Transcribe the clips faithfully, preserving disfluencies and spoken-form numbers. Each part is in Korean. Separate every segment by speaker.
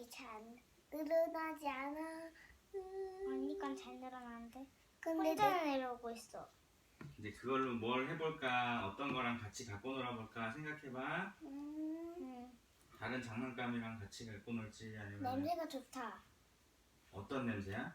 Speaker 1: 잘 늘어나지 않아. 음.
Speaker 2: 언니건 잘 늘어나는데.
Speaker 1: 근데
Speaker 2: 혼자
Speaker 1: 내-
Speaker 2: 내려오고 있어.
Speaker 3: 이제 그걸로 뭘 해볼까? 어떤 거랑 같이 갖고 놀아볼까? 생각해봐.
Speaker 1: 음.
Speaker 2: 응.
Speaker 3: 다른 장난감이랑 같이 갖고 놀지 아니면
Speaker 2: 냄새가 좋다.
Speaker 3: 어떤 냄새야?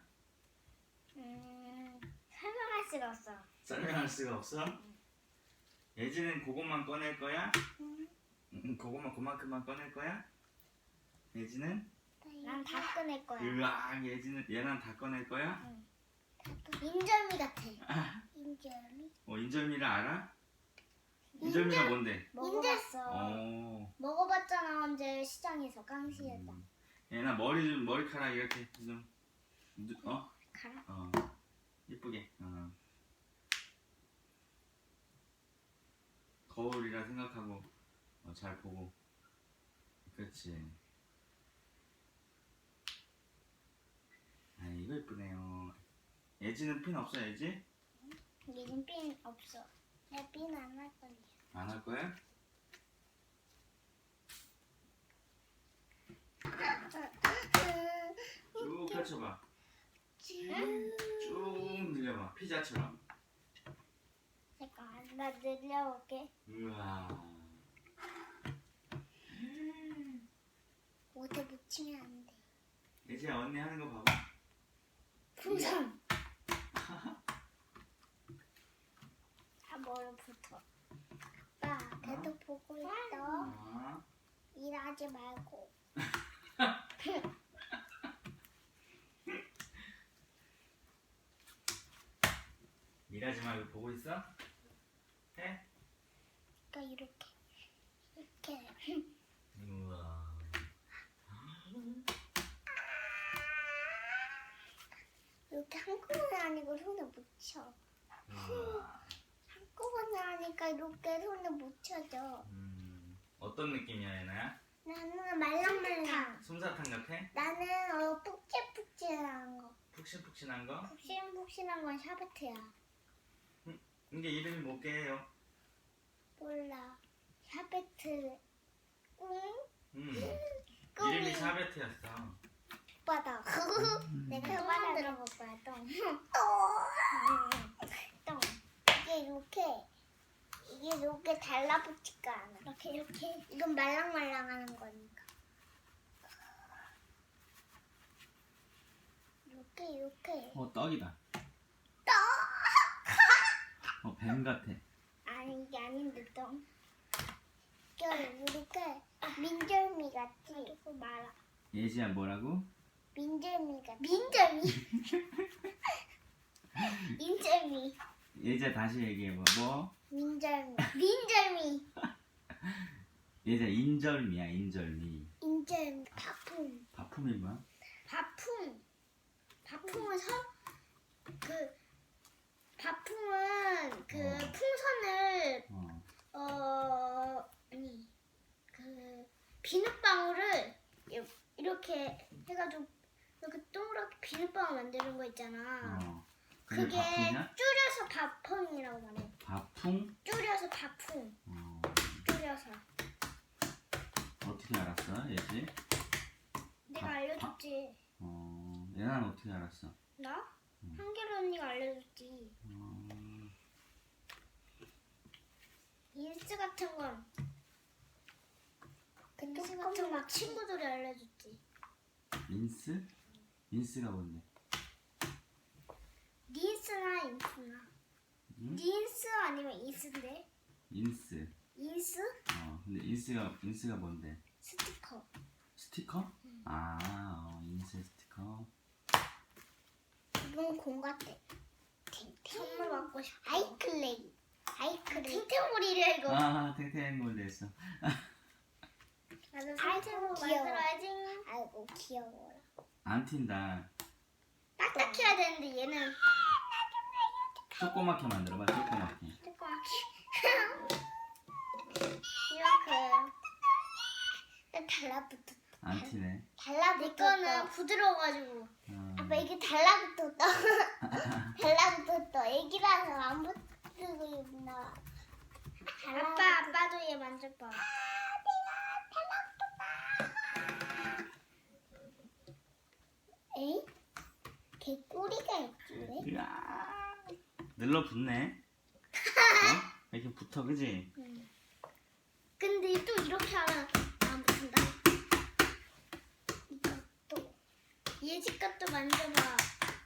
Speaker 2: 음, 설명할 수가 없어.
Speaker 3: 설명할 수가 없어? 예지는 그것만 꺼낼 거야?
Speaker 1: 음.
Speaker 3: 응, 그것만 그만큼만 꺼낼 거야? 예지는?
Speaker 2: 난 다 꺼낼 거야.
Speaker 3: 으악, 예지는 얘는 다 꺼낼 거야?
Speaker 2: 인절미 같아.
Speaker 1: 인절미.
Speaker 3: 어, 인절미를 알아? 인절미가 뭔데?
Speaker 2: 먹어봤어.
Speaker 3: 어,
Speaker 2: 먹어봤잖아 언제 시장에서 깡시에다.
Speaker 3: 음. 얘나 머리 좀 머리카락 이렇게 좀 누- 어?
Speaker 2: 가라.
Speaker 3: 어, 예쁘게. 어. 거울이라 생각하고 어, 잘 보고. 그렇지. 아, 이거 예쁘네요. 예지는 핀 없어, 예지?
Speaker 2: 얘는 핀 없어.
Speaker 1: 내비는 할 건데.
Speaker 3: 안 할 거야? 쭉 펼쳐봐. 쭉 늘려봐. 피자처럼.
Speaker 2: 잠깐 나 늘려볼게.
Speaker 3: 우와.
Speaker 1: 옷에 묻히면 안 돼.
Speaker 3: 예지야, 언니 하는 거 봐봐.
Speaker 2: 풍선. 다 머리 붙어.
Speaker 1: 아빠, 걔도 보고 있어.
Speaker 3: 아.
Speaker 1: 일하지 말고.
Speaker 3: 일하지 말고 보고 있어? 해?
Speaker 1: 그러니까 이렇게. 이렇게.
Speaker 3: 우와.
Speaker 1: 이렇게 한꺼번에 아니고 손에 묻혀.
Speaker 3: 우와.
Speaker 1: 한꺼번에 하니까 이렇게 손에 묻혀져.
Speaker 3: 음, 어떤 느낌이야, 얘나야?
Speaker 1: 나는 말랑말랑.
Speaker 3: 솜사탕 같아?
Speaker 1: 나는 어 푹신푹신한 거.
Speaker 3: 푹신푹신한 거?
Speaker 1: 푹신푹신한 건 샤베트야.
Speaker 3: 이게 이름이 뭐게요?
Speaker 1: 몰라. 샤베트. 응?
Speaker 3: 음,
Speaker 1: 꿈이.
Speaker 3: 이름이 샤베트였어.
Speaker 1: 바닥. 내가 또 만들어 볼 거야, 똥. 똥. 이게 이렇게, 이게 이렇게 달라붙지가 않아. 이렇게, 이렇게. 이건 말랑말랑 하는 거니까. 이렇게, 이렇게.
Speaker 3: 어, 떡이다.
Speaker 1: 떡!
Speaker 3: 어, 뱀 같아.
Speaker 1: 아니, 이게 아닌데, 똥. 이게 이렇게 민절미 같지? 그리고 말아.
Speaker 3: 예지야, 뭐라고?
Speaker 1: 민절미 같지? 민절미? 민절미.
Speaker 3: 예지야, 다시 얘기해봐. 뭐?
Speaker 1: 민절미. 민절미.
Speaker 3: 예지야, 인절미야, 인절미.
Speaker 1: 인절미. 바품.
Speaker 3: 바품이 뭐야?
Speaker 2: 바풍. 바풍은 선, 그, 바풍은 그
Speaker 3: 어.
Speaker 2: 풍선을,
Speaker 3: 어.
Speaker 2: 어, 아니, 그, 비눗방울을 이- 이렇게 해가지고, 이렇게 동그랗게 비눗방울 만드는 거 있잖아.
Speaker 3: 어. 그게
Speaker 2: 그게
Speaker 3: 바풍이야?
Speaker 2: 줄여서 바풍이라고 말해.
Speaker 3: 바풍?
Speaker 2: 줄여서 바풍.
Speaker 3: 어.
Speaker 2: 줄여서.
Speaker 3: 어떻게 알았어, 예지?
Speaker 2: 내가
Speaker 3: 바-
Speaker 2: 알려줬지.
Speaker 3: 어. 얘는 어떻게 알았어?
Speaker 2: 나?
Speaker 3: 음.
Speaker 2: 한결 언니가 알려줬지.
Speaker 3: 어.
Speaker 2: 인스 같은 건,
Speaker 1: 근데
Speaker 2: 인스 같은 건
Speaker 1: 조금만
Speaker 2: 친구들이 알려줬지.
Speaker 3: 인스? 인스가 뭔데?
Speaker 2: 닌스나 인스나.
Speaker 3: 응?
Speaker 2: 닌스 아니면 인스인데?
Speaker 3: 인스.
Speaker 2: 인스?
Speaker 3: 어. 근데 인스가 인스가 뭔데?
Speaker 2: 스티커.
Speaker 3: 스티커? 아, 어, 인스 스티커.
Speaker 1: 이건 공 같아.
Speaker 2: 선물 받고 싶어.
Speaker 1: 아이클레이. 아이클레이.
Speaker 2: 탱탱볼이래 이거.
Speaker 3: 아, 탱탱볼 됐어.
Speaker 2: 나도
Speaker 1: 아이고,
Speaker 2: 탱탱볼
Speaker 1: 귀여워.
Speaker 2: 만들어야지.
Speaker 1: 아이고 귀여워라.
Speaker 3: 안 튄다.
Speaker 2: 딱딱해야 되는데 얘는
Speaker 3: 조그맣게 만들어봐, 조그맣게.
Speaker 2: 조그맣게. 이렇게.
Speaker 1: 달라붙었다.
Speaker 3: 안 튀네.
Speaker 2: 내
Speaker 1: 달라붙었다.
Speaker 2: 거는 부드러워가지고.
Speaker 3: 어.
Speaker 1: 아빠 이게 달라붙었다. 달라붙었다. 애기라서 안 붙고 있나.
Speaker 2: 아빠, 아빠도 얘 만져봐.
Speaker 1: 개 꼬리가 있지 왜?
Speaker 3: 이야, 늘러붙네. 어? 이렇게 붙어, 그지?
Speaker 1: 응.
Speaker 2: 근데 또 이렇게 하면 안 붙는다.
Speaker 1: 이것도
Speaker 2: 얘 집 것도 만져봐.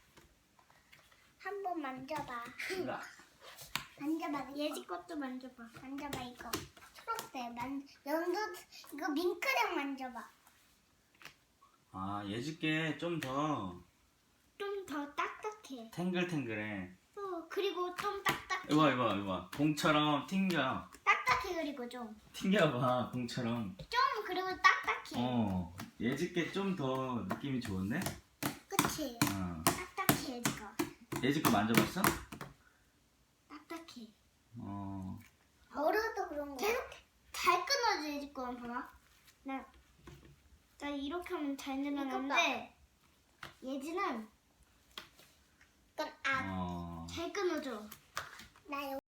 Speaker 1: 한번 만져봐.
Speaker 3: 으아.
Speaker 1: 만져봐.
Speaker 2: 얘 집 것도 만져봐.
Speaker 1: 만져봐 이거. 초록색 만 연두 이거 밍크랑 만져봐.
Speaker 3: 아, 얘집게 좀 더
Speaker 2: 좀 더 딱딱해.
Speaker 3: 탱글탱글해.
Speaker 2: 어, 그리고 좀 딱딱해.
Speaker 3: 이봐, 이봐, 이봐. 공처럼 튕겨.
Speaker 2: 딱딱해 그리고 좀.
Speaker 3: 튕겨봐, 공처럼.
Speaker 2: 좀 그리고 딱딱해.
Speaker 3: 어, 얘집게 좀 더 느낌이 좋은데?
Speaker 1: 그치?
Speaker 3: 어.
Speaker 2: 딱딱해 얘 집 거.
Speaker 3: 얘집거 만져봤어?
Speaker 2: 딱딱해.
Speaker 3: 어.
Speaker 1: 어려도 그런 거.
Speaker 2: 계속 잘 끊어져 얘 집 거만 봐봐. 나, 나 이렇게 하면 잘 늘어나는데 얘지는
Speaker 1: 그럼 아,
Speaker 3: 어.
Speaker 2: 잘 끊어져.
Speaker 1: 나